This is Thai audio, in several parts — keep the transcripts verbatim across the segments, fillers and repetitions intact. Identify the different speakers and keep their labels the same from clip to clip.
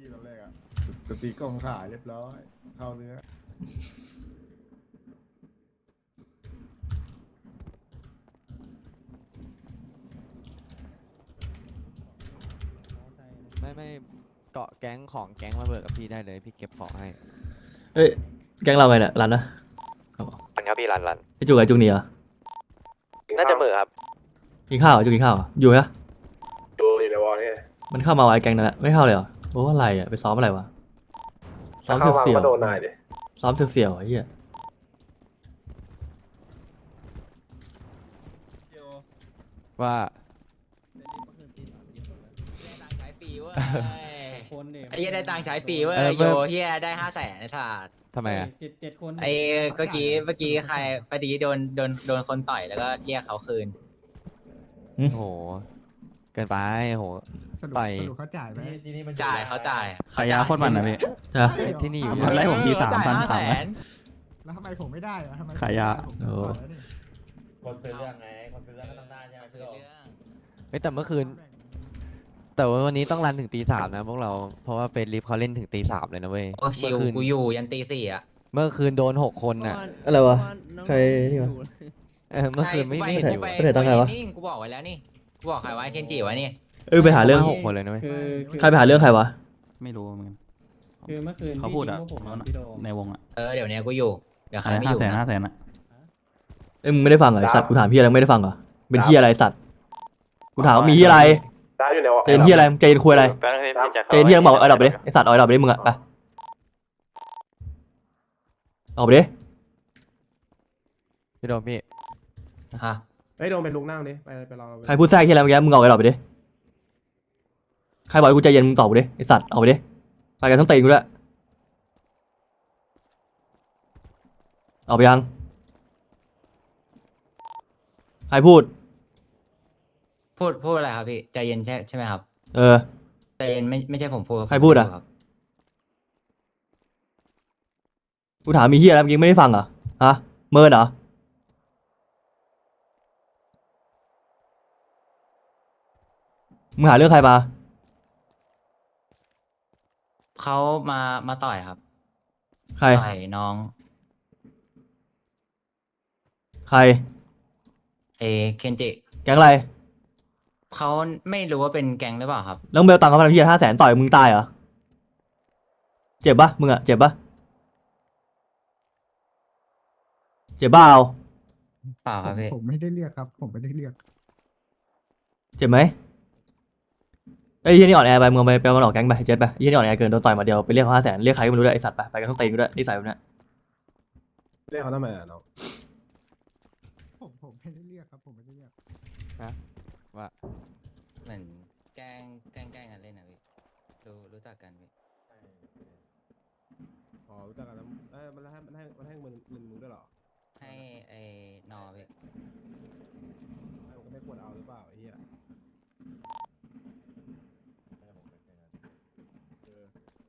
Speaker 1: พี่ตอนแรกอ่ะสตีกล้องถ่ายเรียบร้อยเข้าเนื้อ
Speaker 2: ไม่ไม่เกาะแก๊งของแก๊งมาเบิกกับพี่ได้เลยพี่เก็บของให้
Speaker 3: เอ้ยแก๊งเราไงเนี่ยรันนะ
Speaker 2: มันครับพี่รันรัน
Speaker 3: ไอจุกไอจุกนี่เหรอ
Speaker 2: น่าจะเบิกครับ
Speaker 3: กินข้าวเหรอจุกกินข้าวเหรออยู่ไหม
Speaker 1: ดูอยู่ในวอลนี่
Speaker 3: มันเข้ามาวะไอแก๊งนั่นแหละไม่เข้าเลยเหรอโอ้อะไรอ่ะไปซ้อมอะไรวะซ้อมเสี่ยว
Speaker 1: ก็โดนนายดิ
Speaker 3: ๆซ้อมเสี่ยวๆไอ้เหี้ย
Speaker 2: ว่า
Speaker 4: ตังค์ใช้ฟรีเว้ย
Speaker 5: คนเนี่ย
Speaker 4: ไอ้เหี้ยได้ตังค์ใช้ฟรีเว้ย
Speaker 2: เออ
Speaker 4: โยเฮียได้ห้าแสนไอ้สัส
Speaker 2: ทำไมอ่ะ
Speaker 5: เจ็ดเจ็ดคน
Speaker 4: ไอ้เมื่อกี้เมื่อกี้ใครปดีโดนโดนโดนคนต่อยแล้วก็เรียกเขาคืน
Speaker 2: โอ้โหเกินไปโอ้โห
Speaker 1: สรุป
Speaker 2: ไป
Speaker 1: สรุปเขาจ่ายไหม
Speaker 4: จ่ายเขาจ่าย
Speaker 6: ขายยาโคตรมันนะพี่
Speaker 3: ใช่ปะ
Speaker 2: ที่นี่อยู่
Speaker 6: ทำไมผมทีสามพัน
Speaker 4: จ่ยห้
Speaker 6: สาม
Speaker 4: แสน
Speaker 1: แล้วทำไมผมไม่ได้อะทำไม
Speaker 6: ขายยา
Speaker 1: ผม
Speaker 3: โอ้
Speaker 1: ขอแล้วนี่
Speaker 7: คนซื้อเรื่องไง คนซื้อเรื่องก็ต้องได้ใช่ไหม
Speaker 4: คือเรื่อง
Speaker 2: เฮ้ยแต่เมื่อคืน แต่ว่าวันนี้ต้องรันถึงตีสามนะพวกเราเพราะว่าเฟรลิฟเขาเล่นถึงตีสามเลยนะเว้ย
Speaker 4: โอ้ชิ
Speaker 2: เมื่
Speaker 4: ว
Speaker 2: อคืน
Speaker 4: กูอยู่ยันตีสี่อ่ะ
Speaker 2: เมื่อคืนโดนหกคนน่ะ
Speaker 3: อะไรวะใครนี่วะ
Speaker 2: เออเมื่อคืนไม่ไม่เห็นอยู่
Speaker 4: ไป
Speaker 3: ไปไหนตั้งไงวะ
Speaker 4: นี่กูบอกไว้แล้วนี่กูบอกใครไว้เคนจิไว้นี่
Speaker 3: เออไปหาเรื่อง
Speaker 2: หกคนเลยนะเว้ย
Speaker 5: คืออ
Speaker 3: ใครไปหาเรื่องใครวะ
Speaker 6: ไม่รู้เหมือนกัน
Speaker 5: คือเมื่อคืน
Speaker 6: เขาพูดอะ
Speaker 5: ที่ทิ้งพวกผม
Speaker 6: แล้วนะ
Speaker 5: พี่โดม
Speaker 6: ในวงอะ
Speaker 4: เออเดี๋ยวเนี้ยกูอยู่เดี๋ยวใคร
Speaker 6: อะไร
Speaker 4: ไม่อ
Speaker 6: ห้า
Speaker 4: ยู่
Speaker 6: แสน
Speaker 4: นะ
Speaker 6: ห้าแสนอะ
Speaker 3: เอ้ยมึงไม่ได้ฟังเหรอไอสัตว์กูถามพี่อะไรมึงไม่ได้ฟังเหรอเป็นที่อะไรสัตว์กูถามว่ามีที่อะไร
Speaker 1: ได้อยู่ในวอล
Speaker 3: เจนที่อะไรเจนคุยอะไรเจนที่ยังบอกเอาดอกไปดิไอสัตว์เอาดอกไปดิมึงอะไปออกไปดิ
Speaker 2: พี่โดมพี่
Speaker 4: ฮะ
Speaker 1: เฮ้ยโดนเป็นลุงนั่งดิไปไปรอ
Speaker 3: ใครพูดแทรกที่อะไรเมื่อกี้มึงออกไปดอกไปดิใครบอกให้กูใจเย็นมึงตอบกูดิไอสัตว์ออกไปดิไปกันทั้งตีนกูด้วยออกไปยังใครพูด
Speaker 4: พูดพูดอะไรครับพี่ใจเย็นใช่ใช่ไหมครับ
Speaker 3: เออ
Speaker 4: ใจเย็นไม่ไม่ใช่ผมพูด
Speaker 3: ใครพูดอะ
Speaker 4: ครับ
Speaker 3: กูถามมีเฮียอะไรเมื่อกี้ไม่ได้ฟังเหรอฮะเมินเหรอมึงหาเรื่องใครมา
Speaker 4: เขามามาต่อยครับ
Speaker 3: ใคร
Speaker 4: ต่อยน้อง
Speaker 3: ใคร
Speaker 4: เอเคนจิ
Speaker 3: แก๊งอะไร
Speaker 4: เขาไม่รู้ว่าเป็นแก๊งหรือเปล่าครับ
Speaker 3: แล้วมึงไปเอาตังค์เขามาทำเฮียห้าแสนต่อยมึงตายเหรอเจ็บปะมึงอะเจ็บปะเจ็บบ้าเอา
Speaker 4: เปล่าครับพี่
Speaker 1: ผมไม่ได้เรียกครับ ผมไม่ได้เรียก
Speaker 3: เจ็บไหมไอ้เฮียนี่อ่อนแอไปมึงเอาไปไปเอามันออกแก๊งไปเจ็บไปไอ้เฮียนี่อ่อนแอเกินโดนต่อยมาเดียวไปเรียกเขาห้าแสนเรียกใครก็ไม่รู้ด้วยไอสัตว์ไปไปกันต้องตีนกูด้วยนิสัยแบบเนี้ย
Speaker 1: เรียกเขาทำไมอ่ะน้องผมผมไม่ได้เรียกครับ ผมไม่ได้เรียก
Speaker 2: ว่า
Speaker 4: เหมือนแกล้งแกล้งแกล้งกันเล่นนะพี่รู้รู้จักกันพี่
Speaker 1: อ๋อรู้จักกันแล้วเอ้ยมันให้มันให้มันให้เงินเงินมึงด้วยเหรอ
Speaker 4: ให้ไอ้นอพี่
Speaker 1: ให้มึงก็ไม่ควรเอาหรือเปล่าไอ้เหี้ยเออ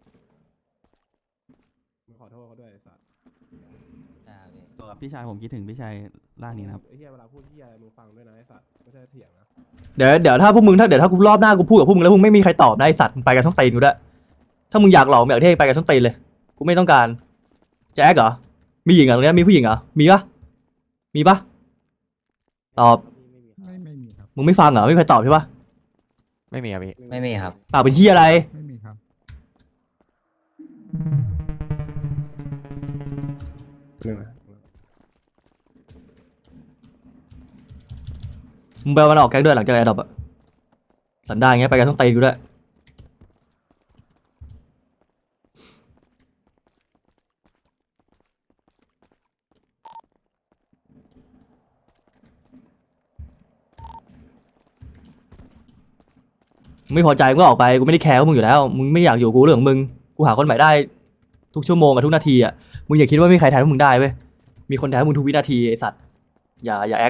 Speaker 1: มึงขอโทษเขาด้วยไอ้สัตว์
Speaker 4: ใช่ครับพี่
Speaker 6: ตัวกับพี่ชายผมคิดถึงพี่ชายร่างนี้นะครับ
Speaker 1: ไอ้เหี้ยเวลาพูดเหี้ยอะไรมึงฟังด้วยนะไอ้สัตว์ไม่ใช่เถียงนะ
Speaker 3: เดี๋ยวเดี๋ยวถ้าพวกมึงถ้าเดี๋ยวถ้ากูรอบหน้ากูพูดกับพวกมึงแล้วมึงไม่มีใครตอบนะไอสัตว์มึงไปกันต้องตีนกูด้วยถ้ามึงอยากหลอกมึงอยากเท่ไปกันต้องตีนเลยกูไม่ต้องการแจ็คเหรอมีหญิงเหรอตรงเนี้ยมีผู้หญิงเหรอมีปะมีปะตอบ
Speaker 1: ไม่ไม่มีครับ
Speaker 3: มึงไม่ฟังเหรอไม่มีใครตอบใช่ปะ
Speaker 2: ไม่มีครับพี่
Speaker 4: ไม่มีครับ
Speaker 3: ปากเป็นที่อะไร
Speaker 1: ไม่มีครับเรื่องอะไร
Speaker 3: มึงไปเอามันออกแก๊งด้วยหลังจากแอร์ดรอปอะสันดานอย่างเงี้ยไปกันต้องตีนกูด้วยมึงไม่พอใจมึงก็ออกไปกูไม่ได้แคร์พวกมึงอยู่แล้วมึงไม่อยากอยู่กูเรื่องของมึงกูหาคนใหม่ได้ทุกชั่วโมงกับทุกนาทีอะมึงอย่าคิดว่าไม่มีใครแทนพวกมึงได้เว้ยมีคนแทนพวกมึงทุกวินาทีไอสัตว์อย่าอย่าแอค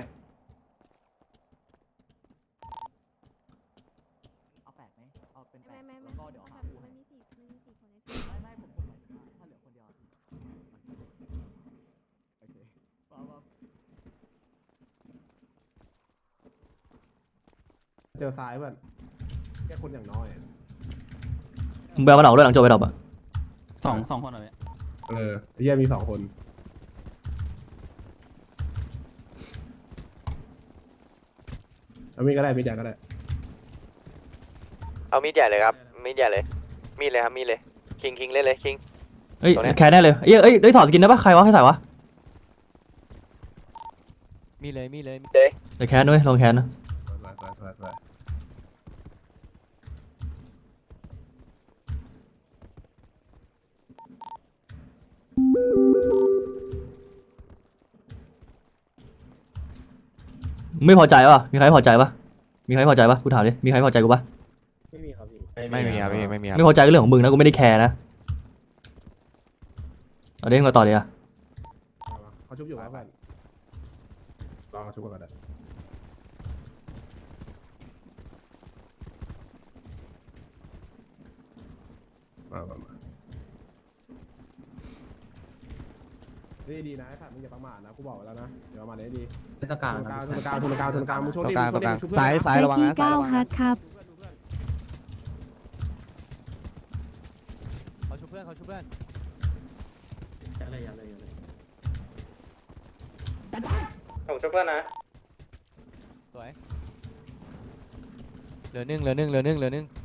Speaker 6: เอาแปดไหมเอาเป็นแป
Speaker 8: ไม่
Speaker 6: ด
Speaker 8: ไม่ไม่
Speaker 6: แล้วก็เดี๋ยวหา
Speaker 8: มัน
Speaker 6: คู่ให้
Speaker 8: มีสี่มันมีสี่คนในทีม
Speaker 6: ไม่ไม่ผมผมหมายถึงว่าถ้าเหลือคนเดียว
Speaker 1: โอเค
Speaker 6: เอาเอา
Speaker 1: เจอซ้ายเพื่อนแค่คนอย่างน้อยอะ
Speaker 3: มึงไปเอามันออกด้วยหลังจบไปดรอปอะ
Speaker 6: สองสองคนเหรอพี่
Speaker 1: เออเฮียมีสองคนเอามีดก็ได้มีดใหญ่ก็ได้
Speaker 2: เอามีดใหญ่เลยครับมีดใหญ่เลยมีดเลยครับมีดเลยคิงคิงเล่นเลยคิง
Speaker 3: เอ้ย
Speaker 2: ตรงเนี้ย
Speaker 3: แคร์แน่เลยเอ้ยเอ้ยเอ้ยถอดสกินได้ปะใครวะให้ใส่วะ
Speaker 2: มีดเลยมีดเลยมีดเลย
Speaker 3: เดี๋ยวแคร์ด้วยลองแคร์นะ
Speaker 1: สวยสวยสวยสวย
Speaker 3: ไม่พอใจปะมีใครไม่พอใจปะมีใครไม่พอใจปะกูถามดิมีใครไม่พอใจกูปะ
Speaker 2: ไม่มีครับพี่ไม่มีครับ
Speaker 3: ไม่พอใจก็เรื่องของมึงนะกูไม่ได้แคร์นะเอาเด้งมาต่อเลยอะ
Speaker 1: เอาวะเขาชุบอยู่ครับเพื่อนรอเขาชุบก่อนก็ได้มามามานี่ดีนะไอ้สัตว์มึงอย่าประมาทนะกูบอกไว้แล้วนะเดี๋ยวประมาทนี้ดี
Speaker 6: เป็นตะการ
Speaker 1: ทุนกลางทุนกลางทุนกลางทุนกลางมึงช
Speaker 2: ต
Speaker 1: น
Speaker 2: รง
Speaker 1: ดิ
Speaker 2: กลาง
Speaker 1: มึง
Speaker 2: ต
Speaker 1: ช
Speaker 2: รง
Speaker 1: น
Speaker 2: ก
Speaker 1: ดิ
Speaker 2: ลาง
Speaker 1: มึงชุบเพื่อน
Speaker 2: ซ้ายซ้ายระวังนะซ้ายระวัง
Speaker 8: ฮั
Speaker 2: นะ
Speaker 8: ทครับ
Speaker 2: เขาชุบเพื่อนเขาชุบเพื่อน
Speaker 7: ผมช่วยเพื่อนนะ
Speaker 2: สวยเหลือหนึ่งเหลือหนึ่งเหลือหนึ่งเหลือหนึ่ง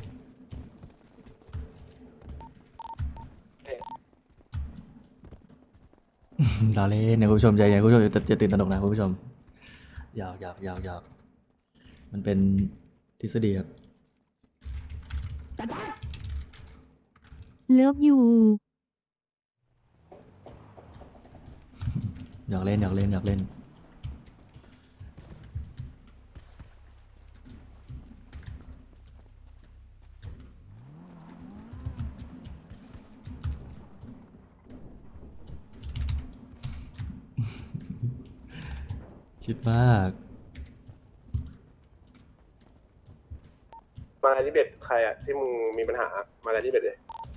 Speaker 3: เราเล่นนะคุณผู้ชมใจเย็นคุณผู้ชมจะจะตื่นตระหนกนะคุณผู้ชมอยากอยากอยากอยากมันเป็นทฤษฎีครับ
Speaker 8: เลิฟยู
Speaker 3: อยากเล่นอยากเล่นอยากเล่นคิดมาก
Speaker 1: มาที่เบ็ดใครอ่ะที่มึงมีปัญหามาที่เบ็ดเลย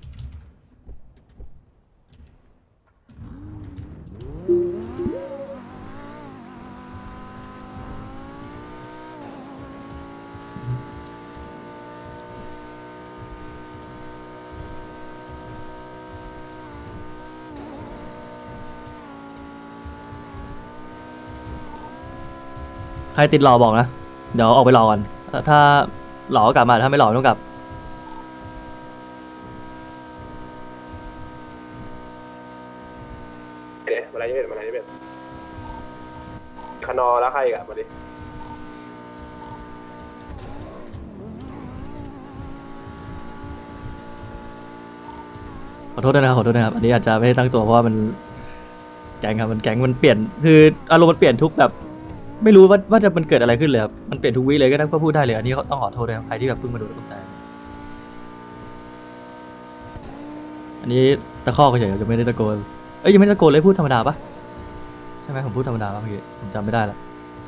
Speaker 3: ใครติดหล่อบอกนะเดี๋ยวออกไปรอก่อนถ้าถ้าหล่อก็กลับมาถ้าไม่หล่อไม่ต้องกลับ
Speaker 1: เดี๋ยวมาที่เบ็ดมาที่เบ็ดคานอแล้วใครอีกอ่ะมาดิ
Speaker 3: ขอโทษด้วยนะครับขอโทษนะครับอันนี้อาจจะไม่ได้ตั้งตัวเพราะว่ามันแก๊งครับมันแก๊งมันเปลี่ยนคืออารมณ์มันเปลี่ยนทุกแบบไม่รู้ว่าว่าจะมันเกิดอะไรขึ้นเลยครับมันเปลี่ยนทุกวิเลยก็ต้องพูดได้เลยอันนี้ต้องขอโทษด้วยครับใครที่แบบเพิ่งมาดูแล้วตกใจอันนี้ตะคอกเฉยๆจะไม่ได้ตะโกนเอ้ยยังไม่ได้ตะโกนเลยพูดธรรมดาปะใช่ไหมผมพูดธรรมดาปะเมื่อกี้ผมจำไม่ได้ละ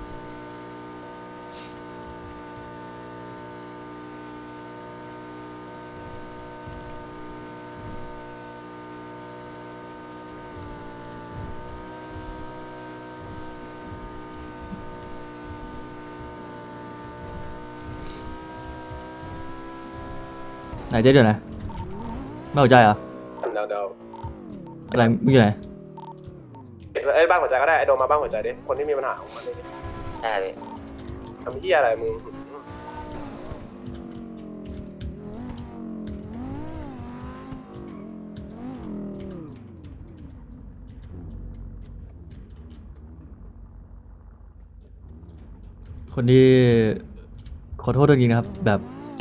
Speaker 3: ไหนเจ๊เดี๋ยวนะไม่เข้าใจเหรอ
Speaker 1: เดาเดา
Speaker 3: อะไรมึงอยู่ไหน
Speaker 1: เอ้ยบ้านหัวใจก็ได้ไอโดมมาบ้านหัวใจดิคนที่มีปัญหาของมันดิ
Speaker 4: ได้พี่
Speaker 1: ทำที่อะไรมึง
Speaker 3: คนที่ขอโทษด้วยจริงๆนะครับแบบ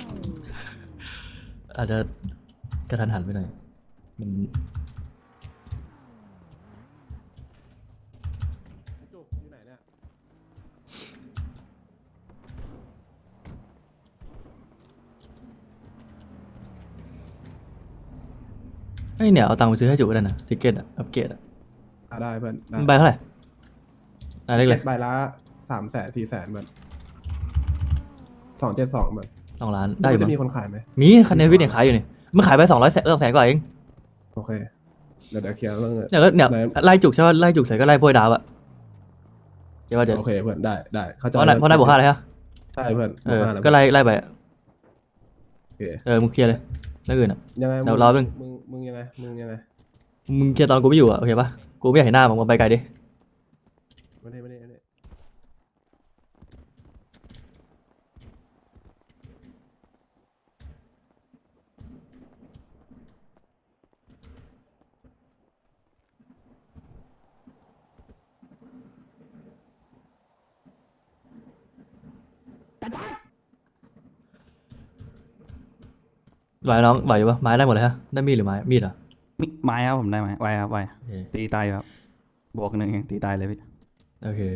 Speaker 3: อาจจะกระทันหันไปหน่อยมัน
Speaker 1: จุกอยู่ไหนเนี่ย
Speaker 3: ไอ้ยเนี่ยเอาตังค์ไปซื้อให้จุกก็ได้นะทิกเก็ตอะอัปเกรดอะ
Speaker 1: อ่ะได้เพื่อนได้
Speaker 3: มันใบเท่าไหร่อ่ะเล็กเลย
Speaker 1: ใบละสามแสนสี่แสนเหมือนสองเจ็ดสองเหมือน
Speaker 3: สองล้านได้อยู่
Speaker 1: จะ
Speaker 3: มั้ง
Speaker 1: มีคนขายไหม
Speaker 3: มีคันเนวิทเนี่ยขายอยู่นี่มันขายไปสองร้อยแสนสองแสนกว่าเอง
Speaker 1: โอเคเดี๋ยวเดี๋ยวเคลียร์เรื่องเงิน
Speaker 3: เนี่ยก็เนี่ย
Speaker 1: ไหน
Speaker 3: ไล่จุกใช่ป่ะไล่จุกเสร็จก็ไล่พวยดาวอะเดี๋ยวว่าเดี๋ยว
Speaker 1: โอเคเพื่อนได้ได้เข้าใจ
Speaker 3: เพราะนายเพราะนายบวกห้าเลยฮะ
Speaker 1: ใช่เพื่อน
Speaker 3: เออบ
Speaker 1: วกห้าแล้ว
Speaker 3: ก็ไล่ไล่ไปอะ
Speaker 1: โอเค
Speaker 3: เออมึงเคลียร์เลยเรื่องอื่นอ่ะ
Speaker 1: ยังไง
Speaker 3: เดี๋ยว
Speaker 1: มึ
Speaker 3: รอแป๊บนึง
Speaker 1: มึงมึงยังไงมึงยังไง
Speaker 3: มึงเคลียร์ตอนกูไม่อยู่อ่ะโอเคปะกูไม่อยากเห็นหน้ามึงมึงไปไกลดิ
Speaker 1: ไม่ได้ไม่ได้ไม่ได้
Speaker 3: ไหวน้องไหวอยู่ปะไม้ได้หมดเลยฮะได้มีดหรือไม้มีดเหรอ
Speaker 6: มิไม้ครับผมได้ไหมไวครับไว
Speaker 3: โอเค
Speaker 6: ตีตายอยู่ครับบวกหนึ่งเองตีตายเลยพี่
Speaker 3: โอเค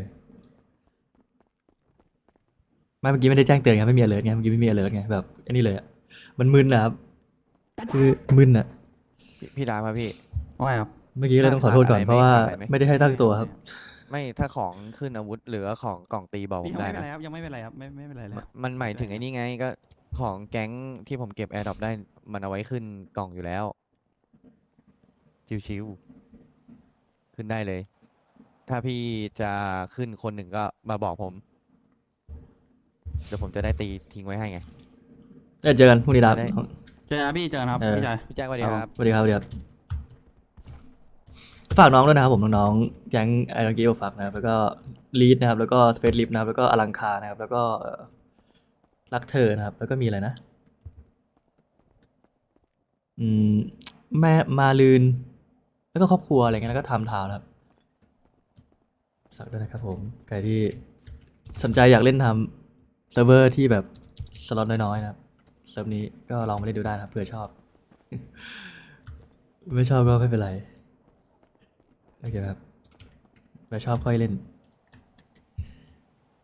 Speaker 3: ไม่เมื่อกี้ไม่ได้แจ้งเตือนไงไม่มี alert ไงเมื่อกี้ไม่มี alert ไงแบบอันนี้เลยอ่ะมันมึนนะครับคือมึนอ่ะ
Speaker 2: พี่พี่ดามาพี่
Speaker 6: ไวครับ
Speaker 3: เมื่อกี้เลยต้องขอโทษก่อน
Speaker 2: ขาดอะไร
Speaker 3: เพราะว่า
Speaker 2: ขาดอะไรไหม
Speaker 3: ไม่ได้ให้ตั้งตัวครับ
Speaker 2: ไม่ถ้าของขึ้นอาวุธหรือว่าของกล่องตีบอกผ
Speaker 6: พี่
Speaker 2: ม
Speaker 6: ยัง
Speaker 2: ได้
Speaker 6: ไม่เป็น
Speaker 2: นะ
Speaker 6: ไรครับยังไม่เป็นไรครับไม่ไม่เป็นไรเลย
Speaker 2: มันมันหมายถึงไอ้นี่ไงก็ของแก๊งที่ผมเก็บแอร์ดรอปได้มันเอาไว้ขึ้นกล่องอยู่แล้ว ชิวๆขึ้นได้เลย ถ้าพี่จะขึ้นคนหนึ่งก็มาบอกผม เดี๋ยวผมจะได้ตีทิ้งไว้ให้ไง
Speaker 3: เอ้ยเจอกันพรุ่งนี้ดับ
Speaker 2: ได้
Speaker 6: เจอกันพี่เจอกันครับ
Speaker 3: เออ
Speaker 6: พี่ชาย
Speaker 2: พี่แจ็คสวัสดีครับ
Speaker 3: สวัสดีครับสวัสดีครับฝากน้องด้วยนะครับผมน้องๆแก๊งไอรอนกีโอฟักนะครับแล้วก็ลีดนะครับแล้วก็สเปซลิฟนะครับแล้วก็อลังคานะครับ แล้วก็เอ่อรักเธอนะครับ แล้วก็มีอะไรนะ อืมแม่มาลืน แล้วก็ครอบครัวอะไรเงี้ยแล้วก็ทำทาวน์นะครับฝากด้วยนะครับผมใครที่สนใจอยากเล่นทำเซิร์ฟเวอร์ที่แบบสล็อตน้อยๆนะครับเซิร์ฟนี้ก็ลองมาเล่นดูได้นะครับเผื่อชอบ ไม่ชอบก็ไม่เป็นไรโอเคครับไม่ชอบค่อยเล่น